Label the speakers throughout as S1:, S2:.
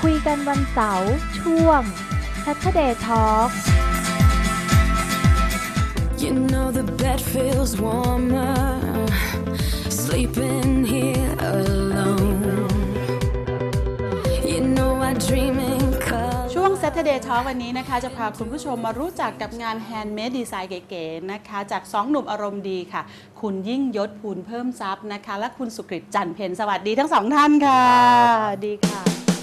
S1: คุยกันวันเสาร์ช่วง Saturday Talk
S2: You know the bed feels warmer sleeping here alone You know I dream in color
S3: ช่วง Saturday Talk วันนี้นะคะจะพาคุณผู้ชมมารู้จักกับงาน Handmade Design เก๋ๆนะคะจาก2หนุ่มอารมณ์ดีค่ะคุณยิ่งยศภูลเพิ่มทรัพย์นะคะและคุณสุกฤตจันทร์เพ็ญสวัสดีทั้งสองท่านค่ะดีค่ะ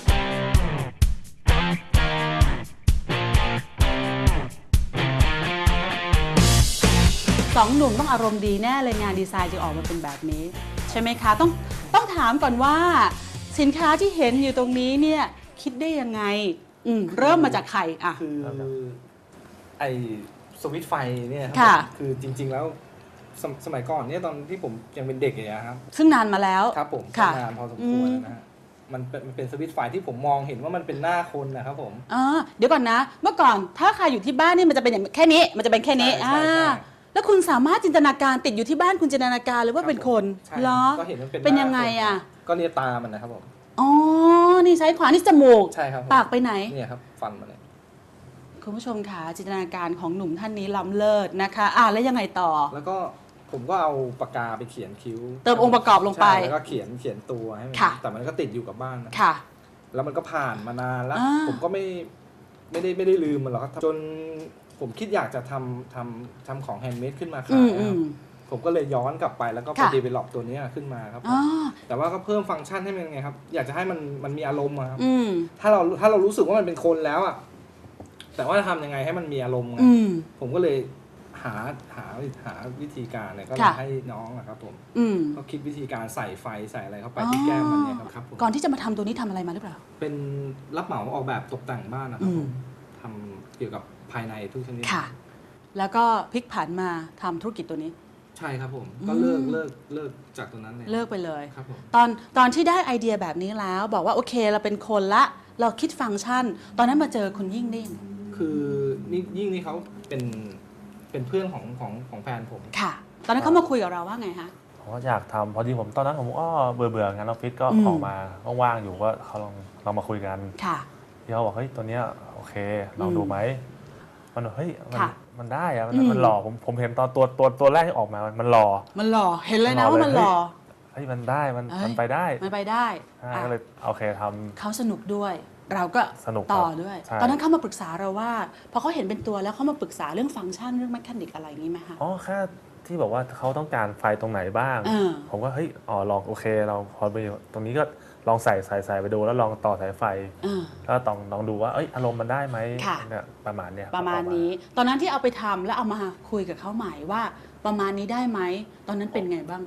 S3: 2หนุ่มต้องอารมณ์ดีแน่เลยงานดีไซน์จึงออกมาเป็นแบบนี้ใช่ไหมคะต้องถามก่อนว่าสินค้าที่เห็นอยู่ตรงนี้เนี่ยคิดได้ยังไงเริ่มมาจากใครอ่ะ
S4: คือไอสวิตช์ไฟเนี่ยครั
S3: ค่ะ
S4: คือจริงๆแล้วสมัยก่อนเนี่ยตอนที่ผมยังเป็นเด็กอย่างเงี้ยครับ
S3: ซึ่งนานมาแล้ว
S4: ครับผม
S3: ค่ะ
S4: นานพอสมควรนะฮะมันเป็นสวิตช์ไฟที่ผมมองเห็นว่ามันเป็นหน้าคนนะครับผม
S3: เดี๋ยวก่อนนะเมื่อก่อนถ้าใครอยู่ที่บ้านนี่มันจะเป็นอย่างแค่นี้มันจะเป็นแค่นี้
S4: ใช่
S3: แล้วคุณสามารถจินตนาการติดอยู่ที่บ้านคุณจินตนาการเลยว่าเป็นคน
S4: ใช่
S3: เหรอ
S4: ก็เห็นมันเป็น
S3: เป็นยังไงอ่ะ
S4: ก็เนี่ยตามันนะครับผม
S3: อ๋อนี่ซ้ายขวานี่จมูก
S4: ใช่ครับผม
S3: ปากไปไหน
S4: เนี่ยครับฟันมันเนี่ย
S3: คุณผู้ชมค่ะจินตนาการของหนุ่มท่านนี้ล้ำเลิศนะคะแล้วยังไงต่อ
S4: แล้วก็ผมก็เอาปากกาไปเขียนคิ้ว
S3: เติมองค์ประกอบลงไป
S4: ใช่แล้วก็เขียนตัวให้มัน
S3: ค่ะ
S4: แต่มันก็ติดอยู่กับบ้านนะ
S3: ค่ะ
S4: แล้วมันก็ผ่านมานานแล้ว ผมก็ไม่ได้ลืมมันหรอกครับจนผมคิดอยากจะทำของแฮนด์เมดขึ้นมาขายนะครับผมก็เลยย้อนกลับไปแล้วก็ไป
S3: ค่ะ
S4: develop ตัวนี้ขึ้นมาครับแต่ว่าก็เพิ่มฟังก์ชันให้มันไงครับอยากจะให้มันมีอารมณ์อะครับถ้าเรารู้สึกว่ามันเป็นคนแล้วอะแต่ว่าจะทำยังไงให้มันมีอารมณ์ไงผมก็เลยหาวิธีการเนี่ยก็เลยให้น้องอะครับผมก็คิดวิธีการใส่ไฟใส่อะไรเข้าไปที่แก้มมันเนี่ยครับผม
S3: ก่อนที่จะมาทำตัวนี้ทำอะไรมาหรือเปล่า
S4: เป็นรับเหมาออกแบบตกแต่งบ้านนะครับผมทำเกี่ยวกับภายในทุกชนิด
S3: ค่ะ แล้วก็พลิกผันมาทำธุรกิจตัวนี้
S4: ใช่ครับผมก็เลิกจากตรงนั้นเลย
S3: เลิกไปเลย
S4: ครับผม
S3: ตอนที่ได้ไอเดียแบบนี้แล้วบอกว่าโอเคเราเป็นคนละเราคิดฟังก์ชัน ตอนนั้นมาเจอคุณยิ่งได้ยังไง
S4: คือยิ่งนี่เขาเป็นเพื่อนของแฟนผม
S3: ค่ะ ตอนนั้นเขามาคุยกับเราว่าไงคะ
S5: ผมก็อยากทำพอดีผมตอนนั้นผมก็เบื่องานออฟฟิศก็ออกมาว่างๆอยู่ก็เขาลองมาคุยกัน
S3: ค่ะ
S5: ที่เขาบอกเฮ้ยตัวเนี้ยโอเคลองดูไหมมันเฮ้ย
S3: ค่ะ
S5: มันได้อะมันหล่อผมเห็นตอนตัวแรกที่ออกมามันหล่อ
S3: มันหล่อเห็นเลยนะว่ามันหล่อ
S5: เฮ้ยมันได้มันไปได้
S3: มันไปได้
S5: ก็เลยโอเคทำ
S3: เขาสนุกด้วย เราก็
S5: สนุก
S3: ต่อ
S5: ครับ
S3: ด้วย
S5: ใช่
S3: ตอนนั้นเขามาปรึกษาเราว่าพอเขาเห็นเป็นตัวแล้วเขามาปรึกษาเรื่องฟังก์ชันเรื่องแมคานิกอะไรอย่างนี้ไหมคะ
S5: อ๋อแค่ที่บอกว่าเขาต้องการไฟตรงไหนบ้าง ผมก็เฮ้ยลองโอเคเราพอไปตรงนี้ก็ลองใส่ไปดูแล้วลองต่อสายไฟแล้วลองดูว่าอารมณ์มันได้ไหมเนี่ยประมาณเนี้ย
S3: ประมาณนี้ ตอนนั้นที่เอาไปทำแล้วเอามาคุยกับเขาใหม่ว่าประมาณนี้ได้ไหมตอนนั้นเป็นไงบ้าง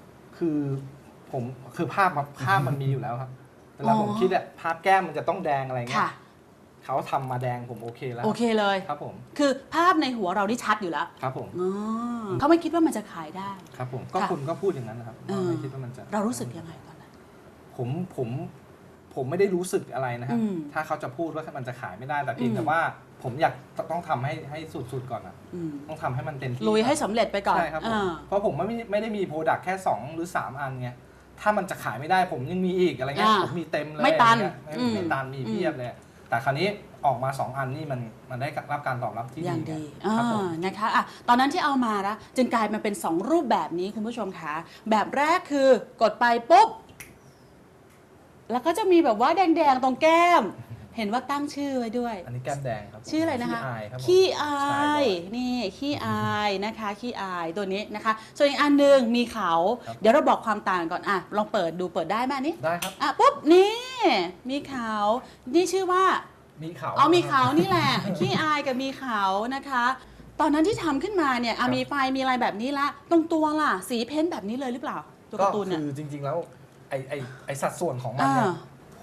S4: คือภาพมันมีอยู่แล้วครับเวลาผมคิดอะภาพแก้มมันจะต้องแดงอะไรเงี้ยเขาทำมาแดงผมโอเคแล้ว
S3: โอเคเลย
S4: ครับผม
S3: คือภาพในหัวเราที่ชัดอยู่แล้ว
S4: ครับผม
S3: เขาไม่คิดว่ามันจะขายได้
S4: ครับผมก็คุณก็พูดอย่างนั้นนะครับไม่คิดว่ามันจะ
S3: เรารู้สึกยังไงตอนนั้น
S4: ผมไม่ได้รู้สึกอะไรนะครับถ้าเขาจะพูดว่ามันจะขายไม่ได้แต่เพียงแต่ว่าผมอยากต้องทำให้สุดๆก่อนอ่ะต้องทำให้มันเต็มที่
S3: ลุยให้สำเร็จไปก่อน
S4: ใช่ครับเพราะผมไม่ได้มีโปรดักต์แค่2หรือ3อันไงถ้ามันจะขายไม่ได้ผมยังมีอีกอะไรเงี้ยผมมีเต็มเลย
S3: ไม่ตัน
S4: ไม่ตันมีเพียบเลยแต่คราวนี้ออกมา2อันนี่มันได้รับการตอบรับที่
S3: อย่างดี
S4: ครับผม
S3: นะคะตอนนั้นที่เอามานะจึงกลายมาเป็น2รูปแบบนี้คุณผู้ชมคะแบบแรกคือกดไปปุ๊บแล้วก็จะมีแบบว่าแดงๆตรงแก้ม เห็นว่าตั้งชื่อไว้ด้วย
S4: อันนี้แก้มแดงครับ
S3: ชื่ออะไรนะคะ
S4: ขี้อาย
S3: ขี้อายนี่ขี้อายนะคะขี้อายตัวนี้นะคะส่วนอีกอันหนึ่งมีเขาเดี๋ยวเราบอกความต่างก่อนลองเปิดดูเปิดได้ไหมนี่
S4: ได้ครับ
S3: ปุ๊บนี่มีเขานี่ชื่อว่า
S4: มีเขา
S3: มีเขานี่แหละ ขี้อายกับมีเขานะคะ ตอนนั้นที่ทำขึ้นมาเนี่ยมีไฟมีอะไรแบบนี้ละตรงตัวล่ะสีเพ้นท์แบบนี้เลยหรือเปล่าตัว
S4: ก็
S3: การ์ตูนเนี่ย
S4: คือจริงๆแล้วไอสัดส่วนของมันเนี่ย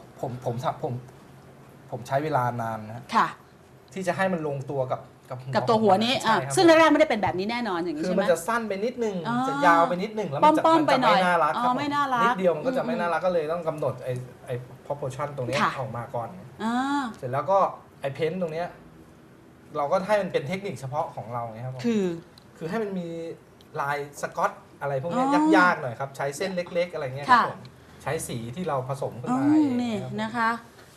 S4: ผมใช้เวลานานนะ
S3: ค่ะ
S4: ที่จะให้มันลงตัวกับ
S3: กับตัวหัวนี้
S4: ใช่ครับ
S3: ซึ่งแรกๆไม่ได้เป็นแบบนี้แน่นอนอย่างนี้
S4: คือ
S3: ใช่ไหม
S4: มันจะสั้นไปนิดนึงจะยาวไปนิดนึงแล้วมันจะ
S3: ป้อมๆไปหน่อย
S4: ไม่น่ารักครับ
S3: ไม่น่ารัก
S4: นิดเดียวมันก็จะไม่น่ารักก็เลยต้องกำหนดไอ้ proportion ตรงนี้ออกมาก่อน เสร็จแล้วก็ไอ้เพ้นท์ตรงเนี้ยเราก็ให้มันเป็นเทคนิคเฉพาะของเราไงครับผมคือให้มันมีลายสกอตอะไรพวกนี้ยากๆหน่อยครับใช้เส้นเล็กๆอะไรเงี้ยครับผมใช้สีที่เราผสมขึ้นมาเอง
S3: นี่นะคะ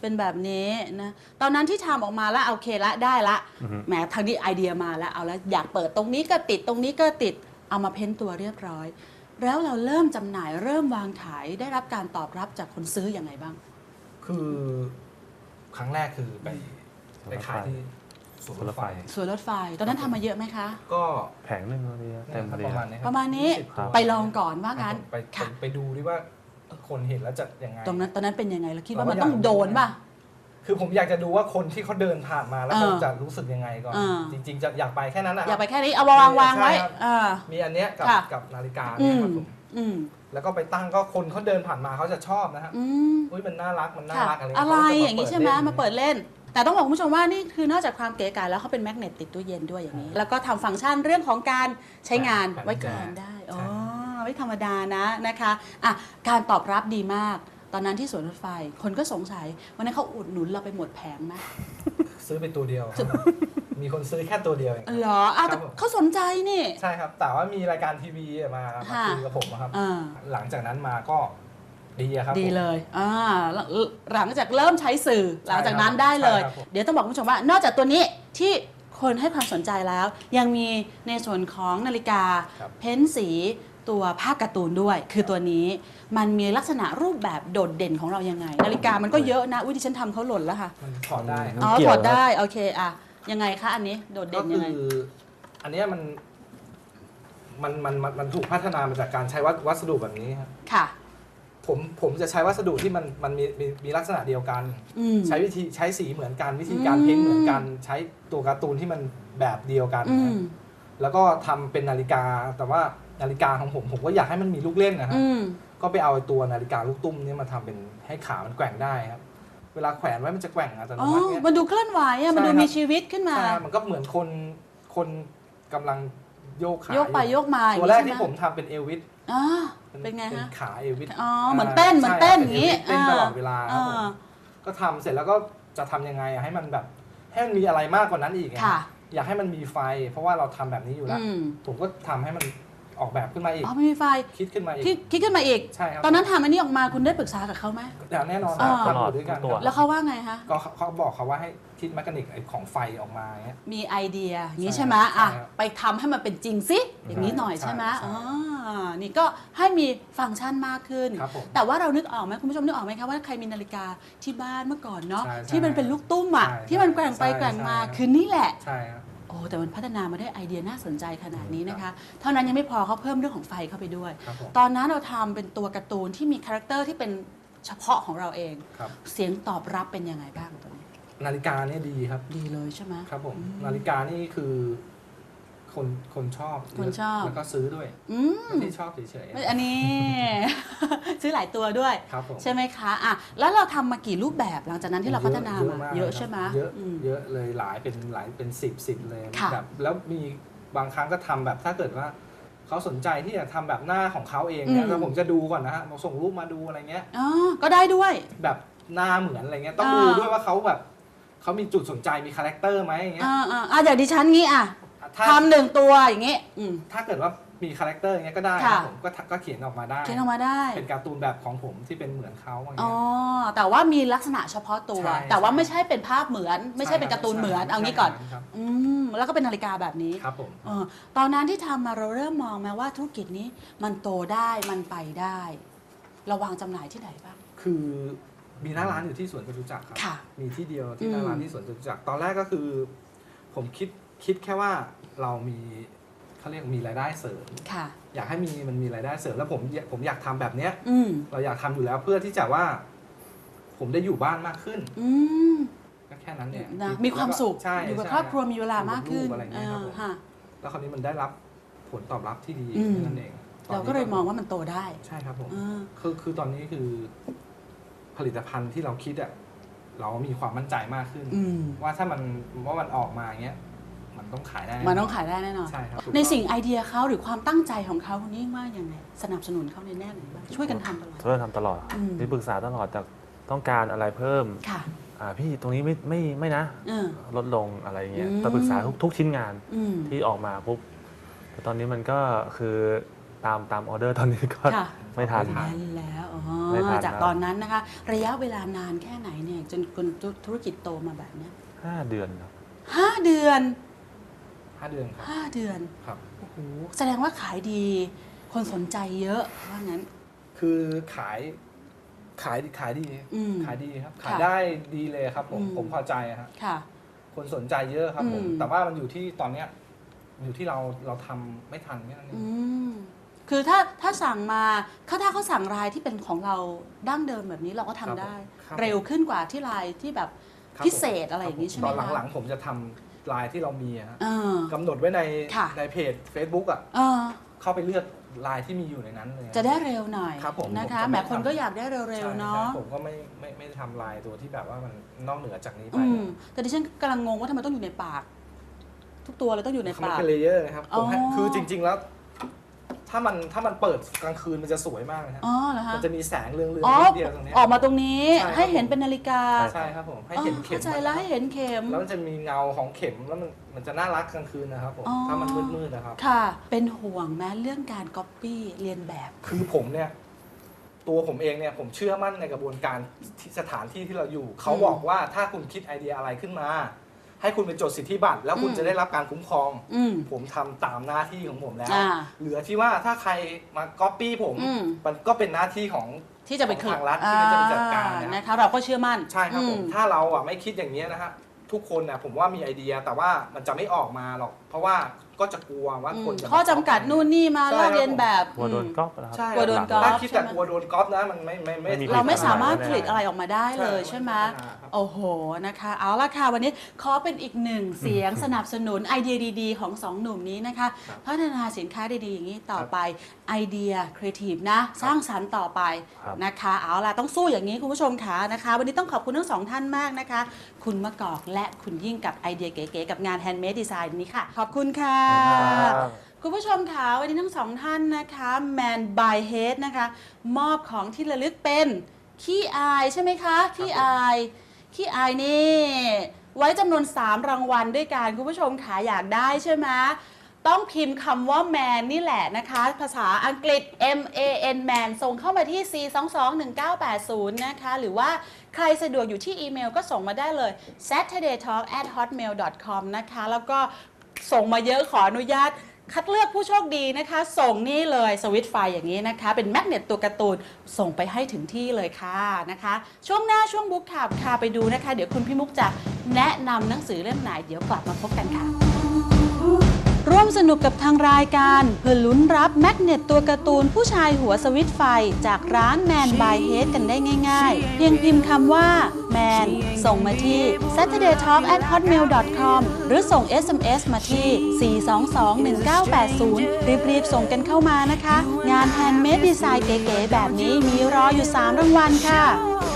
S3: เป็นแบบนี้นะตอนนั้นที่ทำออกมาแล้วโอเคละได้ละแหมทางนี้ไอเดียมาแล้วเอาแล้วอยากเปิดตรงนี้ก็ติดตรงนี้ก็ติดเอามาเพ้นตัวเรียบร้อยแล้วเราเริ่มจำหน่ายเริ่มวางขายได้รับการตอบรับจากคนซื้ออย่างไรบ้าง
S4: คือครั้งแรกคือไปขายที่สวนรถไฟ
S3: ตอนนั้นทำมาเยอะไหมคะ
S4: ก็
S5: แผงนึงเต็มเลย
S3: ประมาณนี้ไปลองก่อนว่างั้น
S4: ไปดูดิว่าคนเห็นแล้วจะยังไง
S3: ตอนนั้นเป็นยังไงแล้วคิดว่ามันต้องโดนป่ะ
S4: คือผมอยากจะดูว่าคนที่เขาเดินผ่านมาแล้วเขาจะรู้สึกยังไงก่อนจริงๆจะอยากไปแค่นั้นนะ
S3: อยากไปแค่นี้เอาวางไว้
S4: มีอันเนี้ยกับนาฬิกาเนี่ยครับผมแล้วก็ไปตั้งก็คนเขาเดินผ่านมาเขาจะชอบนะฮะอุ้ยมันน่ารัก
S3: อะไรอย่างนี้ใช่ไหมมาเปิดเล่นแต่ต้องบอกคุณผู้ชมว่านี่คือนอกจากความเก๋ไก๋แล้วเขาเป็นแมกเนตติดตู้เย็นด้วยอย่างนี้แล้วก็ทำฟังก์ชันเรื่องของการใช้งานไว้ก่อนได้ไม่ธรรมดานะคะการตอบรับดีมากตอนนั้นที่สวนรถไฟคนก็สงสัยวันนั้นเขาอุดหนุนเราไปหมดแผงไหม
S4: ซื้อไปตัวเดียวมีคนซื้อแค่ตัวเดียวเอง
S3: เหรอแต่เขาสนใจนี่
S4: ใช่ครับแต่ว่ามีรายการทีวีมาคุยกับผมครับหลังจากนั้นมาก็ดีครับ
S3: ดีเลยหลังจากเริ่มใช้สื่อหลังจากนั้นได้เลยเดี๋ยวต้องบอกคุณผู้ชมว่านอกจากตัวนี้ที่คนให้ความสนใจแล้วยังมีในส่วนของนาฬิกาเพ้นสีตัวภาพการ์ตูนด้วยคือตัวนี้มันมีลักษณะรูปแบบโดดเด่นของเรายังไงนาฬิกามันก็เยอะนะที่ฉันทำเขาหล่นแล้วค่ะ
S4: มันถอดได้
S3: ถอดได้โอเคยังไงคะอันนี้โดดเด่นยังไง
S4: อันนี้มันถูกพัฒนามาจากการใช้วัสดุแบบนี้ครับ
S3: ค่ะ
S4: ผมจะใช้วัสดุที่มันมีลักษณะเดียวกันใช้วิธีใช้สีเหมือนกันวิธีการเพ้นเหมือนกันใช้ตัวการ์ตูนที่มันแบบเดียวกันแล้วก็ทำเป็นนาฬิกาแต่ว่านาฬิกาของผมก็อยากให้มันมีลูกเล่นนะครับก็ไปเอาตัวนาฬิกาลูกตุ้มนี่มาทำเป็นให้ขามันแกว่งได้ครับเวลาแขวนไว้มันจะแกว่งอัตโนมัติ
S3: มันดูเคลื่อนไหวมันดูมีชีวิตขึ้นมา
S4: มันก็เหมือนคนกำลังโยกขา
S3: โยกไปโยกมา
S4: ตัวแรกที่ผมทำเป็นเอลวิส
S3: เป็นไงฮะ
S4: ขาเอลวิส
S3: เหมือนเต้นอย่างนี้
S4: เต้นตลอดเวลาก็ทำเสร็จแล้วก็จะทำยังไงให้มันแบบให้มันมีอะไรมากกว่านั้นอีกอยากให้มันมีไฟเพราะว่าเราทำแบบนี้อยู่แล้วผมก็ทำให้มันออกแบบขึ้นมาอีก
S3: ไม่มีไฟ
S4: คิดขึ้นมาอีก
S3: คิดขึ้นมาอีก
S4: ใช่ครับ
S3: ตอนนั้นทำอันนี้ออกมาคุณได้ปรึกษากับเขาไหม
S4: แน่นอน
S5: ตลอด
S4: ด้วยกัน
S3: แล้วเขาว่าไงคะ
S4: ก็เขาบอกเขาว่าให้คิดแมคานิกของไฟออกมา
S3: มีไอเดียอย่างนี้ใช่ไหมไปทำให้มันเป็นจริงสิอย่างนี้หน่อยใช่ไหมนี่ก็ให้มีฟังก์ชันมากขึ้นแต่ว่าเรานึกออกไหมคุณผู้ชมนึกออกไหมคะว่าใครมีนาฬิกาที่บ้านเมื่อก่อนเนาะที่มันเป็นลูกตุ้มที่มันแกว่งไปแกว่งมาคือนี่แหละแต่มันพัฒนามาได้ไอเดียน่าสนใจขนาดนี้นะคะเท่านั้นยังไม่พอเขาเพิ่มเรื่องของไฟเข้าไปด้วยตอนนั้นเราทำเป็นตัวการ์ตูนที่มีคาแรคเตอร์ที่เป็นเฉพาะของเราเองเสียงตอบรับเป็นยังไงบ้างตัวนี้
S4: นาฬิกาเนี่ยดีครับ
S3: ดีเลยใช่ไหม
S4: ครับผมนาฬิกานี่คือคนชอบแล้วก็ซื้อด้วยไม่ได้ชอบเฉย
S3: ๆอันนี้ ซื้อหลายตัวด้วยใช่ไหมคะแล้วเราทำมากี่รูปแบบหลังจากนั้นที่เราพัฒนามาเยอะใช่ไหม
S4: เยอะเลยหลายเป็น10เลยแบบแล้วมีบางครั้งก็ทำแบบถ้าเกิดว่าเขาสนใจที่จะทำแบบหน้าของเขาเองเนี่ยแล้วผมจะดูก่อนนะฮะส่งรูปมาดูอะไรเงี้ย
S3: ก็ได้ด้วย
S4: แบบหน้าเหมือนอะไรเงี้ยต้องดูด้วยว่าเขาแบบเขามีจุดสนใจมีคาแรคเตอร์ไหมอย่างเงี้ย
S3: อย่างดิฉันงี้ทำหนึ่งตัวอย่างเงี้ย
S4: ถ้าเกิดว่ามีคาแรคเตอร์อย่างเงี้ยก็ได้ผมก็เขียนออกมาได้เป็นการ์ตูนแบบของผมที่เป็นเหมือนเขาอย่างเงี้
S3: ยแต่ว่ามีลักษณะเฉพาะตัวแต่ว่าไม่ใช่เป็นภาพเหมือนไม่ใช่เป็นการ์ตูนเหมือนเอางี้ก่อนแล้วก็เป็นนาฬิกาแบบนี้
S4: ครับผม
S3: ตอนนั้นที่ทำมาเราเริ่มมองไหมว่าธุรกิจนี้มันโตได้มันไปได้เราวางจำหน่ายที่ไหนบ้าง
S4: คือมีหน้าร้านอยู่ที่สวนจตุจักรครับมีที่เดียวที่หน้าร้านที่สวนจตุจักรตอนแรกก็คือผมคิดแค่ว่าเรามีเขาเรียกมีรายได้เสริมอยากให้มันมีรายได้เสริมแล้วผมอยากทำแบบเนี้ยเราอยากทำอยู่แล้วเพื่อที่จะว่าผมได้อยู่บ้านมากขึ้นก็แค่นั้นเนี่ย
S3: มีความสุขอยู่กับครอบครัวมีเวลามากขึ้น
S4: แล้วคราวนี้มันได้รับผลตอบรับที่ดีนั่นเอง
S3: เราก็เลยมองว่ามันโตได้
S4: ใช่ครับผมคือตอนนี้คือผลิตภัณฑ์ที่เราคิดเรามีความมั่นใจมากขึ้นว่าถ้ามันออกมาอย่างเงี้ยมันต้องขายได้
S3: แน่นอน
S4: ใช่ครับ
S3: ในสิ่งไอเดียเขาหรือความตั้งใจของเขาคุณยิ่งว่ายังไงสนับสนุนเขาในแง่ไหนบ้างช่วยกันทำตลอด
S5: มีปรึกษาตลอดแต่ต้องการอะไรเพิ่มพี่ตรงนี้ไม่นะลดลงอะไรเงี้ยปรึกษาทุกชิ้นงานที่ออกมาปุ๊บแต่ตอนนี้มันก็คือตามออเดอร์ตอนนี้ก็
S3: ค่ะ
S5: ไม่ทัน
S3: แล้วอ๋อ
S5: ไม่ทัน
S3: จาก
S5: ครับ
S3: ตอนนั้นนะคะ ระยะเวลานานแค่ไหนเนี่ยจนคุณธุรกิจโตมาแบบเนี้ย
S5: 5 เดือนครับ
S3: 5 เดือน
S4: 5 เดือนครับ
S3: 5 เดือน
S4: ครับ
S3: โอ้โหแสดงว่าขายดี คนสนใจเยอะว่างั้น
S4: คือขายดี
S3: อืม
S4: ขายดีครับ
S3: ค่ะ
S4: ขายได้ดีเลยครับผม
S3: อืม
S4: ผมพอใจอะฮะ
S3: ค่ะ
S4: คนสนใจเยอะครับผม
S3: อืม
S4: แต่ว่ามันอยู่ที่ตอนเนี้ยอยู่ที่เราทำไม่ทันแค่นั้นเอง
S3: อืมคือถ้าสั่งมาถ้าเขาสั่งลายที่เป็นของเราดั้งเดิมแบบนี้เราก็ทำได้
S4: ครับ
S3: เร็วขึ้นกว่าที่ลายที่แบบ
S4: ครับ
S3: พิเศษอะไรอย่างนี้ใช่ไหม
S4: ตอน
S3: คะ
S4: หลังๆผมจะทำลายที่เรามีอะฮะ
S3: เออก
S4: ำหนดไว้ใน
S3: ค่ะ
S4: ในเพจ Facebook อ่ะ
S3: เออ
S4: เข้าไปเลือกลายที่มีอยู่ในนั้นเลย
S3: จะได้เร็วหน่อย
S4: ครับผม
S3: นะคะ
S4: ผมจะไม่
S3: แหมคน
S4: ทำ
S3: ก็อยากได้เร็ว
S4: ใช่
S3: ๆเนาะ
S4: ใช่ผมก็ไม่ได้ทำลายตัวที่แบบว่ามันนอกเหนือจากนี้ไป
S3: อืมแต่ดิฉันกำลังงงว่าทำไมต้องอยู่ในปาก ทุกตัวเลยต้องอยู่ใน
S4: มัน
S3: ปาก
S4: เป็นเลเยอร์นะครับผมให้
S3: อ๋อ
S4: คือจริง ๆแล้ว ถ้ามันเปิดกลางคืนมันจะสวยมากเลยครับ
S3: อ๋อเหรอคะ
S4: มันจะมีแสงเรืองๆ
S3: อ๋อ
S4: นิดเดียวตรงเนี้ย
S3: ออกมาตรงนี้
S4: ใช่ครับ
S3: ให้เห็นเป็นนาฬิกา
S4: ใช่ครับผมให้
S3: อ๋อ
S4: เห็นเข็ม
S3: เข้าใจแล้วให้เห็นเข็ม
S4: แล้วมันจะมีเงาของเข็มแล้วมันจะน่ารักกลางคืนนะครับผม
S3: อ๋อ
S4: ถ้ามันมืดๆนะครับ
S3: ค่ะ เป็นห่วงแม้เรื่องการก๊อปปี้เรียนแบบ
S4: คือผมเนี่ยตัวผมเองเนี่ยผมเชื่อมั่นในกระบวนการที่สถานที่ที่เราอยู่ เขาบอกว่าถ้าคุณคิดไอเดียอะไรขึ้นมา ให้คุณไปจดสิทธิบัตรแล้วคุณ
S3: อืม
S4: จะได้รับการคุ้มครอง
S3: อืม
S4: ผมทำตามหน้าที่ของผมแล้ว
S3: อ่า
S4: เหลือที่ว่าถ้าใครมาก๊อปปี้ผม
S3: อืม
S4: มันก็เป็นหน้าที่ของ
S3: ที่จะไป
S4: ของทางรัฐที่จะไปจัดการนะ
S3: นะคะ เราก็เชื่อมั่น
S4: ใช่ครับผม
S3: อื
S4: ถ้าเราอ่ะไม่คิดอย่างนี้ยนะฮะทุกคนน่ะผมว่ามีไอเดียแต่ว่ามันจะไม่ออกมาหรอก เพราะว่าก็จะกลัวว่าคนจะมา
S3: ข้อจำกัดนู่นนี่มา
S4: ใช่
S3: ลอกเลียนแบบ
S5: กลัวโดนก๊อปนะครั
S4: ใช่
S3: กลัวโดนก๊อป
S4: ถ้าคิดแต่กลัวโดนก๊อปนะมันไม่
S5: ไม่มี
S3: เราไม่สามารถ
S5: ไม่ได้
S3: ผลิตอะไรออกมาได้เลย
S4: ใช่
S3: ใช่ไหม
S4: ไม่ได้ครับ
S3: โอ้โหนะคะ เอาละค่ะวันนี้ขอเป็นอีกหนึ่งเสียงสนับสนุนไอเดียดีๆ ของสองหนุ่มนี้นะคะ
S4: ครับ
S3: พัฒนาสินค้าดีๆอย่างนี้ต่อไปไอเดียครีเอทีฟนะ สร้างสรรค์ต่อไป
S5: ครับ
S3: นะคะ เอาล่ะต้องสู้อย่างนี้คุณผู้ชมค่ะนะคะ วันนี้ต้องขอบคุณทั้งสองท่านมากนะคะ คุณมะกอกและคุณยิ่งกับไอเดียเก๋ๆกับงาน Handmade Design นี้ค่ะ ขอบคุณค่ะ
S5: ครับ
S3: คุณผู้ชมค่ะวันนี้ทั้งสองท่านนะคะ Man by Head นะคะ มอบของที่ระลึกเป็นขี้อายใช่ไหมคะขี้อายนี่ ไว้จำนวน 3 รางวัลด้วยกันคุณผู้ชมค่ะอยากได้ใช่ไหมต้องพิมพ์คำว่า Man นี่แหละนะคะ ภาษาอังกฤษ MAN Man ส่งเข้ามาที่ 4221980 นะคะ หรือว่าใครสะดวกอยู่ที่อีเมลก็ส่งมาได้เลย saturdaytalk@hotmail.com นะคะ แล้วก็ส่งมาเยอะขออนุญาต คัดเลือกผู้โชคดีนะคะ ส่งนี่เลยสวิตช์ไฟอย่างนี้นะคะ เป็นแมกเนตตัวการ์ตูนส่งไปให้ถึงที่เลยค่ะนะคะ ช่วงหน้าช่วงบุ๊กขับค่ะไปดูนะคะ เดี๋ยวคุณพี่มุกจะแนะนำหนังสือเล่มไหนเดี๋ยวกลับมาพบกันค่ะ ร่วมสนุกกับทางรายการเพื่อลุ้นรับแมกเนตตัวการ์ตูนผู้ชายหัวสวิตช์ไฟจากร้าน Man by Head กันได้ง่ายๆ เพียงพิมพ์คำว่า Man ส่งมาที่ saturdaytalk@hotmail.com หรือส่ง SMS มาที่ 4221980 รีบๆส่งกันเข้ามานะคะ งาน Handmade Design เก๋ๆแบบนี้มีรออยู่ 3 รางวัลค่ะ